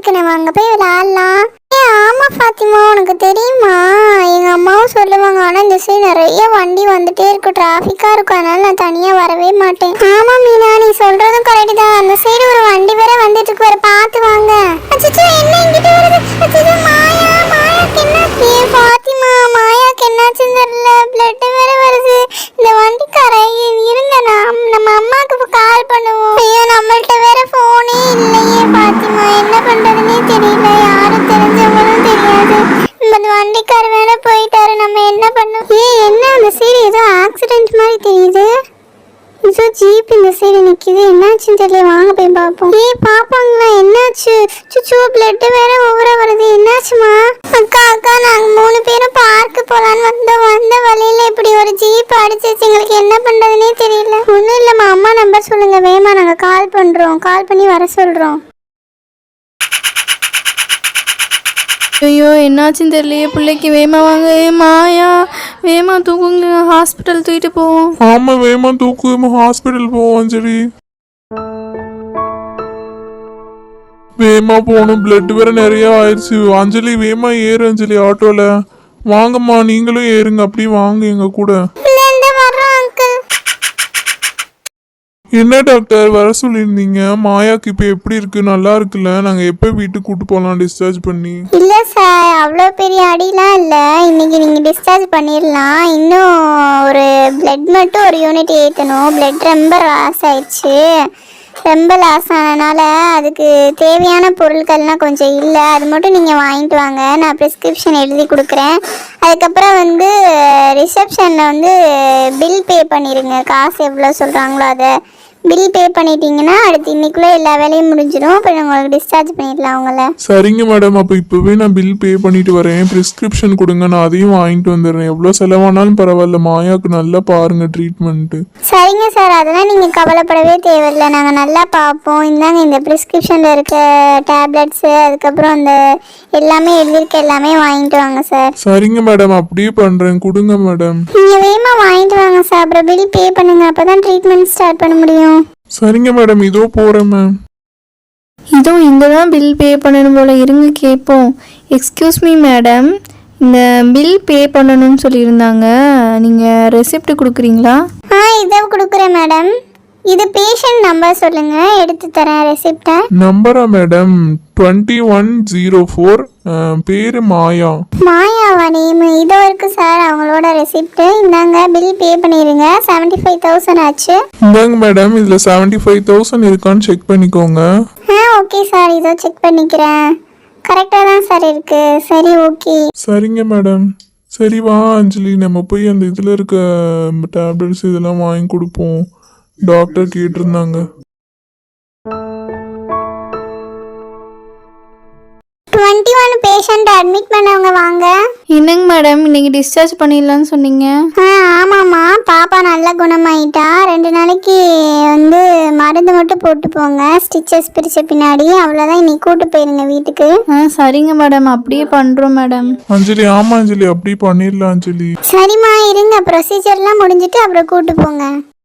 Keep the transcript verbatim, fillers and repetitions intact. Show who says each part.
Speaker 1: இருக்கு, நம்ம அங்கே போய் விளையாடலாம். ஏ ஆமா ஃபாத்திமா, உனக்கு தெரியுமா எங்க அம்மாவும் சொல்லுவாங்க, ஆனால் இந்த சைடு நிறைய வண்டி வந்துட்டே இருக்கும், டிராஃபிக்காக இருக்கும், அதனால நான் தனியாக வரவே மாட்டேன். ஆமா மீனா, நீ சொல்றதும் கரெக்ட் தான். அந்த சைடு ஒரு வண்டி வேற வந்துட்டு இருக்கு, வேற பார்த்து வாங்க. அச்சச்சோ, என்ன இங்கிட்ட வருது? அச்சச்சோ, மாயா மாயாக்கு என்ன? ஏ ஃபாத்திமா, மாயாக்கு என்னாச்சுன்னு தெரியல, பிளட் வேற வருது. இந்த வண்டிக்காரை இருங்க, நான் நம்ம அம்மாவுக்கு கால் பண்ணுவோம். ஐயோ, நம்மள்ட்ட வேற போனே இல்லையே ஃபாத்திமா, என்ன பண்றதுன்னே தெரியல, யாரும் தெரிஞ்சவங்களும் தெரியாது. இந்த வண்டிக்கார வேற போயிட்டாரு, நம்ம என்ன பண்ணோம்? ஏ என்ன, அந்த சைடு ஏதோ ஆக்சிடென்ட் மாதிரி தெரியுது. ஏதோ ஜீப் இந்த சைடு நிக்குது, என்னாச்சுன்னு தெரியல, வாங்க போய் பார்ப்போம். ஏ பாப்பாங்களா, என்னாச்சு? சுச்சு, பிளட் வேற ஓவரா வருது, என்னாச்சுமா? அக்கா அக்கா, நாங்க மூணு பேரும் பார்க்கு போலான்னு வந்தோம், வந்த வழியில இப்படி ஒரு ஜீப் அடிச்சிச்சு, எங்களுக்கு என்ன பண்றதுன்னே தெரியல. ஒன்றும் இல்லைம்மா, அம்மா நம்பர் சொல்லுங்க வேமா, நாங்க கால் பண்றோம், கால் பண்ணி வர சொல்றோம்.
Speaker 2: ஐயோ, என்னாச்சுன்னு தெரியலையே பிள்ளைக்கு. வேமா வாங்க. மாயா, வேமா தூக்குங்க, ஹாஸ்பிட்டல் தூக்கிட்டு போவோம்.
Speaker 3: ஆமா, வேமா தூக்கு, ஹாஸ்பிட்டல் போவோம். சரி வேமா போகணும், பிளட் வேற நிறைய ஆயிடுச்சு. அஞ்சலி வேமா ஏறு, அஞ்சலி ஆட்டோல வாங்கம்மா, நீங்களும் ஏறுங்க, அப்படி வாங்க எங்க கூட. என்ன டாக்டர் வர சொல்லியிருந்தீங்க? மாயாக்கு இப்போ எப்படி இருக்கு? நல்லா இருக்குல்ல? நாங்கள் எப்போ வீட்டுக்கு கூட்டு போகலாம் டிஸ்சார்ஜ் பண்ணி?
Speaker 1: இல்லை சார், அவ்வளோ பெரிய அடிலாம் இல்லை, இன்னைக்கு நீங்கள் டிஸ்சார்ஜ் பண்ணிடலாம். இன்னும் ஒரு பிளட் மட்டும் ஒரு யூனிட் ஏற்றணும். பிளட் ரொம்ப லாஸ் ஆயிடுச்சு, ரொம்ப லாஸ் ஆனதுனால அதுக்கு தேவையான பொருட்கள்லாம் கொஞ்சம் இல்லை, அது மட்டும் நீங்கள் வாங்கிட்டு வாங்க, நான் ப்ரிஸ்கிரிப்ஷன் எழுதி கொடுக்குறேன். அதுக்கப்புறம் வந்து ரிசப்ஷனில் வந்து பில் பே பண்ணிடுங்க, காசு எவ்வளோ சொல்கிறாங்களோ அதை பில் பே பண்ணிட்டீங்கன்னா அடுத்து இன்னைக்குள்ளே எல்லா வேலையும் முடிஞ்சிடும், அப்புறம் உங்களுக்கு டிஸ்சார்ஜ் பண்ணிடலாம் அவங்கள.
Speaker 3: சரிங்க மேடம், அப்போ இப்போவே நான் பில் பே பண்ணிட்டு வரேன், ப்ரிஸ்கிரிப்ஷன் கொடுங்க, நான் அதையும் வாங்கிட்டு வந்துடுறேன். எவ்வளோ செலவானாலும் பரவாயில்ல, மாயாவுக்கு நல்லா பாருங்க ட்ரீட்மெண்ட்டு.
Speaker 1: சரிங்க சார், அதெல்லாம் நீங்கள் கவலைப்படவே தேவையில்லை, நாங்கள் நல்லா பார்ப்போம். இந்தாங்க இந்த ப்ரிஸ்கிரிப்ஷனில் இருக்க டேப்லெட்ஸு, அதுக்கப்புறம் அந்த எல்லாமே எழுதியிருக்க எல்லாமே வாங்கிட்டு வாங்க சார்.
Speaker 3: சரிங்க மேடம், அப்படியே பண்ணுறேன், கொடுங்க மேடம்.
Speaker 1: நீங்கள் வேகமாக வாங்கிட்டு வாங்க சார், அப்புறம் பில் பே பண்ணுங்க, அப்போ தான் ட்ரீட்மெண்ட் ஸ்டார்ட் பண்ண முடியும்.
Speaker 3: சரிங்க மேடம், இதோ போகிறேன் மேம்.
Speaker 2: இதோ இங்கே தான் பில் பே பண்ணணும் போல, இருங்க கேட்போம். எக்ஸ்கியூஸ் மீ மேடம், இந்த பில் பே பண்ணணும்னு சொல்லியிருந்தாங்க, நீங்கள் ரெசிப்ட் கொடுக்குறீங்களா?
Speaker 1: ஆ, இதை கொடுக்குறேன் மேடம். இது பேஷண்ட் நம்பர் சொல்லுங்க, எடுத்து தரேன் ரெசிப்டை.
Speaker 3: நம்பரா madam? Twenty one zero four, பேரு மாயா.
Speaker 1: மாயாவா நேம்? இதோ இருக்கு சார் அவங்களோட ரெசிப்ட், இந்தாங்க பில் பே பண்ணிடுங்க, செவன்டி ஃபைவ் தௌசண்ட் ஆச்சு.
Speaker 3: இந்தாங்க மேடம், இதுல செவன்டி ஃபைவ் தௌசண்ட் இருக்கான்னு செக் பண்ணிக்கோங்க.
Speaker 1: ஆ ஓகே சார், இதோ செக் பண்ணிக்கிறேன், கரெக்டாக தான் சார் இருக்கு. சரி ஓகே.
Speaker 3: சரிங்க மேடம். சரி வா அஞ்சலி, நம்ம போய் அந்த இதில் இருக்க டேப்லெட்ஸ் இதெல்லாம் வாங்கி கொடுப்போம், டாக்டர் கேட்டிருந்தாங்க.
Speaker 1: டுவெண்ட்டி ஒன் பேஷண்ட் அட்மிட் பண்ணவங்க வாங்க.
Speaker 2: என்னங்க மேடம், இன்னைக்கு டிஸ்சார்ஜ் பண்ணிடலான்னு சொன்னீங்க?
Speaker 1: ஆ ஆமாம்மா, பாப்பா நல்லா குணமாயிட்டா. ரெண்டு நாளைக்கு வந்து மருந்து மட்டும் போட்டு போங்க, ஸ்டிச்சஸ் பிரிச்ச பின்னாடி, அவ்வளோதான். இன்னைக்கு கூட்டு போயிருங்க வீட்டுக்கு.
Speaker 2: ஆ சரிங்க மேடம், அப்படியே பண்ணுறோம் மேடம்.
Speaker 3: அஞ்சலி, ஆமா அஞ்சலி, அப்படி பண்ணிடலாம் அஞ்சலி.
Speaker 1: சரிம்மா, இருங்க, ப்ரொசீஜர்லாம் முடிஞ்சிட்டு அப்புறம் கூட்டு போங்க.